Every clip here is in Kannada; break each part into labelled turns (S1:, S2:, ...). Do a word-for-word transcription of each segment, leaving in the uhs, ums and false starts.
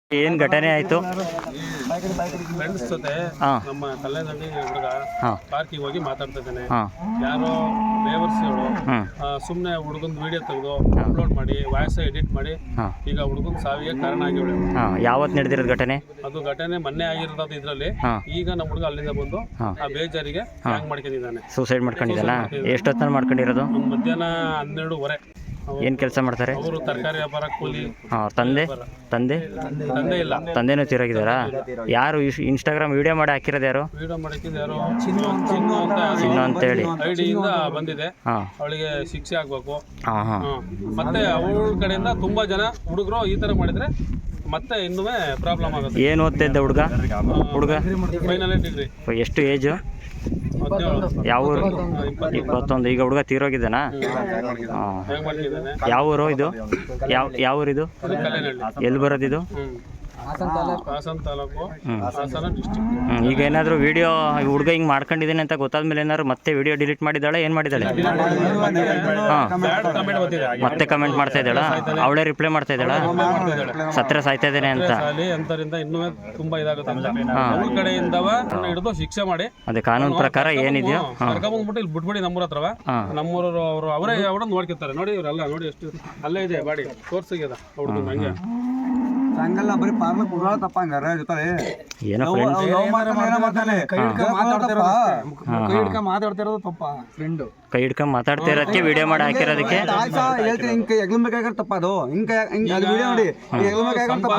S1: ಏನು ಘಟನೆ ಆಯಿತು?
S2: ಫ್ರೆಂಡ್ಸ್ ಜೊತೆ ನಮ್ಮ ಕಲ್ಯಾಣದಲ್ಲಿ ಹುಡುಗ ಪಾರ್ಕಿಗೆ ಹೋಗಿ ಮಾತಾಡ್ತಾ ಇದ್ದಾನೆ. ಯಾರೋ ಬೇವರ್ಸಿಗಳು ಸುಮ್ಮನೆ ಹುಡುಗನ ವಿಡಿಯೋ ತೆಗೆದು ಅಪ್ಲೋಡ್ ಮಾಡಿ ವಾಯ್ಸ್ ಎಡಿಟ್ ಮಾಡಿ ಈಗ ಹುಡುಗನ ಸಾವಿಗೆ ಕಾರಣ ಆಗಿವಳೆ.
S1: ಯಾವತ್ತು ನಡೆದಿರೋದು ಘಟನೆ?
S2: ಅದು ಘಟನೆ ಮೊನ್ನೆ ಆಗಿರೋದು ಇದರಲ್ಲಿ. ಈಗ ನಮ್ಮ ಹುಡುಗ ಅಲ್ಲಿಂದ ಬಂದು ಆ ಬೇಜಾರಿಗೆ ಹ್ಯಾಂಗ್ ಮಾಡ್ಕೊಂಡಿದ್ದಾನೆ,
S1: ಸೂಸೈಡ್ ಮಾಡ್ಕೊಂಡಿದ್ದಾನ. ಎಷ್ಟೊತ್ತಲ್ಲಿ ಮಾಡ್ಕೊಂಡಿರೋದು?
S2: ಮಧ್ಯಾಹ್ನ ಹನ್ನೆರಡುವರೆ.
S1: ಏನು ಕೆಲಸ ಮಾಡ್ತಾರೆ
S2: ಅವರು ತರಕಾರಿ ವ್ಯಾಪಾರ, ಕೂಲಿ.
S1: ಹಾಂ, ತಂದೆ ತಂದೆ
S2: ತಂದೆ ಇಲ್ಲ,
S1: ತಂದೆನೂ ತೀರೋಗಿದ್ದಾರಾ? ಯಾರು ಇನ್ಸ್ಟಾಗ್ರಾಮ್ ವಿಡಿಯೋ ಮಾಡಿ ಹಾಕಿರೋದು? ಯಾರು
S2: ವಿಡಿಯೋ ಮಾಡಿದ್ದು? ಯಾರು ಚಿನ್ನು ಚಿನ್ನು ಅಂತ
S1: ಚಿನ್ನು ಅಂತೇಳಿ
S2: ಐಡಿಯಿಂದ ಬಂದಿದೆ.
S1: ಹಾಂ,
S2: ಅವಳಿಗೆ ಶಿಕ್ಷೆ ಆಗ್ಬೇಕು.
S1: ಹಾಂ ಹಾಂ
S2: ಮತ್ತೆ ಅವಳ ಕಡೆಯಿಂದ ತುಂಬಾ ಜನ ಹುಡುಗರು ಈ ತರ ಮಾಡಿದ್ರೆ ಮತ್ತೆ ಇನ್ನೂ ಪ್ರಾಬ್ಲಮ್ ಆಗುತ್ತೆ.
S1: ಏನು ಓದ್ತಾ ಇದ್ದ ಹುಡುಗ? ಹುಡುಗ
S2: ಫೈನಲ್ ಡಿಗ್ರಿ.
S1: ಎಷ್ಟು ಏಜು? ಯಾವ ಊರು? ಇಪ್ಪತ್ತೊಂದು. ಈಗ ಹುಡುಗ ತೀರೋಗಿದ್ದಾನಾ? ಯಾವ ಊರು ಇದು? ಯಾವ ಯಾವ ಊರಿದು? ಎಲ್ಲಿ ಬರೋದಿದು?
S2: ಹಾಸನ ತಾಲೂಕು, ಹಾಸನ ಡಿಸ್ಟ್ರಿಕ್ಟ್.
S1: ಈಗ ಏನಾದರೂ ವಿಡಿಯೋ ಹುಡುಗ ಹಿಂಗೆ ಮಾಡ್ಕೊಂಡಿದ್ದೀನಿ ಅಂತ ಗೊತ್ತಾದ್ಮೇಲೆ ಏನಾದ್ರು ಮತ್ತೆ ವಿಡಿಯೋ ಡಿಲೀಟ್ ಮಾಡಿದ್ದಾಳೆ? ಏನು ಮಾಡಿದ್ದಾಳೆ? ಹಾಂ, ಮತ್ತೆ ಕಮೆಂಟ್ ಮಾಡ್ತಾ ಇದ್ದಾಳ? ಅವಳೇ ರಿಪ್ಲೈ ಮಾಡ್ತಾ ಇದ್ದಾಳ ಸತ್ರ ಸಾಯ್ತಾ ಇದ್ದೇನೆ ಅಂತ?
S2: ಅಂತರಿಂದ ಇನ್ನೂ ತುಂಬಾ ಇದಾಗುತ್ತೆ. ಅವ್ರ ಕಡೆಯಿಂದ ಹಿಡಿದು ಶಿಕ್ಷೆ ಮಾಡಿ ಅದೇ ಕಾನೂನು
S1: ಪ್ರಕಾರ ಏನಿದೆಯೋ
S2: ಕರ್ಕೊಂಡ್ಬಿಟ್ಟು ಇಲ್ಲಿ ಬಿಟ್ಬಿಡಿ. ನಮ್ಮೂರ ಹತ್ರವ ನಮ್ಮೂರವರು ಅವರು ಅವರೇ ಅವ್ರನ್ನ ನೋಡ್ಕೊತಾರೆ. ನೋಡಿ ಇವರೆಲ್ಲ ನೋಡಿ ಎಷ್ಟು ಅಲ್ಲೇ ಇದೆ ಬಾಡಿ ತೋರ್ಸಿಗ್ಯದ ಹುಡುಗ ಹಂಗೆ
S3: ಹಂಗಲ್ಲ, ಬರೀ ಪಾರ್ಲಕ್ ಉಡಾಳ ತಪ್ಪ ಹಂಗಾರ ಜೊತೆ
S1: ಏನೋ
S3: ಮಾತಾಡ್ತಿರೋದು ತಪ್ಪ. ಫ್ರೆಂಡ್
S1: ಕೈ ಹಿಡ್ಕೊಂಡ್ ಮಾತಾಡ್ತಾ ಇರೋದಕ್ಕೆ ವಿಡಿಯೋ ಮಾಡಿ ಹಾಕಿರೋದಕ್ಕೆ
S3: ಹೇಳ್ತೀನಿ. ಹಿಂಗೆ ಎಗ್ಲಬೇಕಾಗ ತಪ್ಪ ಅದು. ಹಿಂಗೆ ಹಿಂಗೆ ಅದು ವಿಡಿಯೋ ನೋಡಿ ಎಗ್ಲಬೇಕಾಗ ತಪ್ಪ.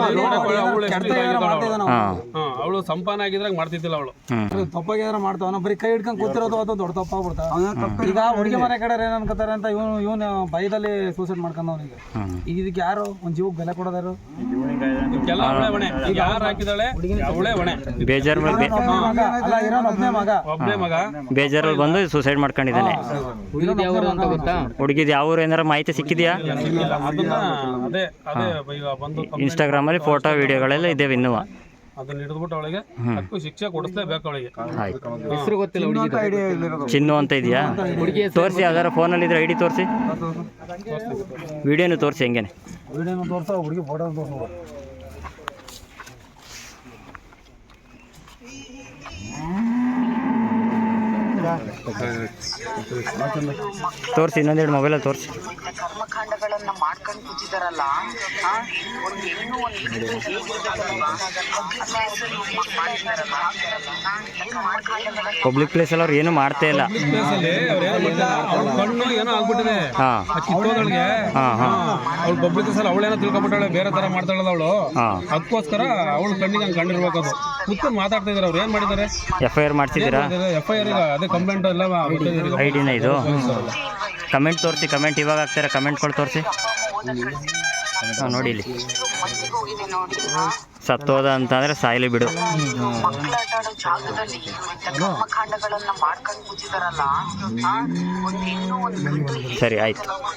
S2: ಅವಳು ಸಂಪಾನ ಆಗಿದ್ರಾಗ ಮಾಡ್ತಿದ್ದಿಲ್ಲ. ಅವಳು
S3: ತಪ್ಪಾಗಿ ಏನಾರ ಮಾಡ್ತಾವ, ಬರೀ ಕೈ ಹಿಡ್ಕೊಂಡ್ ಕೂತಿರೋದು ಅದು ದೊಡ್ಡ ತಪ್ಪಾಗ್ಬಿಡ್ತಾವ. ಈಗ ಹುಡುಗಿ ಮನೆ ಕಡೆ ಏನ್ ಅನ್ಕೋತಾರೆ ಅಂತ ಇವನು ಇವನು ಭಯದಲ್ಲಿ ಸೂಸೈಡ್ ಮಾಡ್ಕೊಂಡವನಿಗೆ. ಈಗ ಇದಕ್ಕೆ ಯಾರು ಒಂದ್ ಜೀವಕ್ಕೆ ಬೆಲೆ ಕೊಡೋದಾರು?
S2: ಇದಕ್ಕೆಲ್ಲ ಅವಳೇ ಹೊಣೆ. ಈಗ ಯಾರು ಹಾಕಿದಾಳೆ ಅವಳೇ ಹೊಣೆ.
S1: ಬೇಜಾರ್
S3: ಒಬ್ಬನೇ ಮಗ,
S2: ಒಬ್ಬನೇ ಮಗ
S1: ಬೇಜಾರಲ್ಲಿ ಬಂದು ಸೂಸೈಡ್ ಮಾಡ್ಕೊಂಡಿದ್ದಾನೆ. ಹುಡುಗಿದ್ ಯಾವ ಊರು ಏನಾರ ಮಾಹಿತಿ ಸಿಕ್ಕಿದ್ಯಾ?
S2: ಅದೇ ಅದೇ ಈಗ ಬಂದು
S1: ಇನ್ಸ್ಟಾಗ್ರಾಮ್ ಅಲ್ಲಿ ಫೋಟೋ ವಿಡಿಯೋಗಳೆಲ್ಲ ಇದ್ದೇವೆ ಇನ್ನೂ.
S2: ಅದನ್ನ ಹಿಡಿದ್ಬಿಟ್ಟು ಅವಳಿಗೆ ಹಕ್ಕು ಶಿಕ್ಷೆ ಕೊಡಿಸ್ಲೇಬೇಕು ಅವಳಿಗೆ.
S1: ಹೆಸರು ಗೊತ್ತಿಲ್ಲ. ಚಿನ್ನು ಅಂತ ಇದೆಯಾ? ತೋರಿಸಿ, ಯಾವ್ದಾರ ಫೋನಲ್ಲಿ ಇದ್ರೆ ಐಡಿ ತೋರಿಸಿ, ವಿಡಿಯೋನು ತೋರಿಸಿ. ಹೆಂಗೇನೆ
S3: ವಿಡಿಯೋನು ತೋರ್ಸ, ಹುಡುಗಿ ಫೋಟೋ ತೋರಿಸ.
S1: ತೋರಿಸಿ, ಇನ್ನೊಂದೆರಡು ಮೊಬೈಲಲ್ಲಿ ತೋರಿಸಿ.
S4: ಕರ್ಮಕಾಂಡಗಳನ್ನ ಮಾಡ್ಕೊಂಡು ಕೂತಿದಾರಲ್ಲ, ಒಂದು ಹೆಣ್ಣು
S1: ಪಬ್ಲಿಕ್ ಪ್ಲೇಸ್ ಅಲ್ಲಿ ಅವ್ರು ಏನು ಮಾಡ್ತಾ ಇಲ್ಲ.
S2: ಕಣ್ಣು ಏನೋ ಆಗ್ಬಿಟ್ಟಿದೆ ಕಿತ್ತೋದೊಳಗೆ. ಅವಳು ಪಬ್ಲಿಕ್ ಪ್ಲೇಸ್ ಅಲ್ಲಿ ಅವಳೇನೋ ತಿಳ್ಕೊಬಿಟ್ಟಾಳೆ, ಬೇರೆ ತರ ಮಾಡ್ತಾಳಲ್ಲ ಅವಳು. ಅದಕ್ಕೋಸ್ಕರ ಅವಳು ಕಣ್ಣಿಗೆ ಹಂಗೆ ಕಂಡಿರ್ಬೇಕು. ಅದು ಕುತ್ಕೊಂಡು ಮಾತಾಡ್ತಾ ಇದಾರೆ. ಅವ್ರು ಏನ್ ಮಾಡಿದ್ದಾರೆ?
S1: ಎಫ್ ಐ ಆರ್ ಮಾಡ್ಸಿದ್ದೀರಾ?
S2: ಎಫ್ ಐ ಆರ್ ಈಗ ಅದೇ ಕಂಪ್ಲೇಂಟ್ ಎಲ್ಲ
S1: ಐಡಿನ ಇದು. ಕಮೆಂಟ್ ತೋರಿಸಿ, ಕಮೆಂಟ್ ಇವಾಗ ಆಗ್ತಾರೆ. ಕಮೆಂಟ್ಗಳು ತೋರಿಸಿ. ಹಾಂ, ನೋಡಿ ಇಲ್ಲಿ ಸತ್ತೋದ ಅಂತಂದ್ರೆ ಸಾಯ್ಲಿ ಬಿಡು.
S4: ಮಕ್ಕಳಾಟಾಡೋ ಜಾಗದಲ್ಲಿ ಕರ್ಮಕಾಂಡಗಳನ್ನ ಮಾಡ್ಕೊಂಡು ಕೂತಿದಾರಲ್ಲ, ಒಂದು ಹೆಣ್ಣು ಒಂದು ಗಂಡು.
S1: ಸರಿ, ಆಯ್ತು.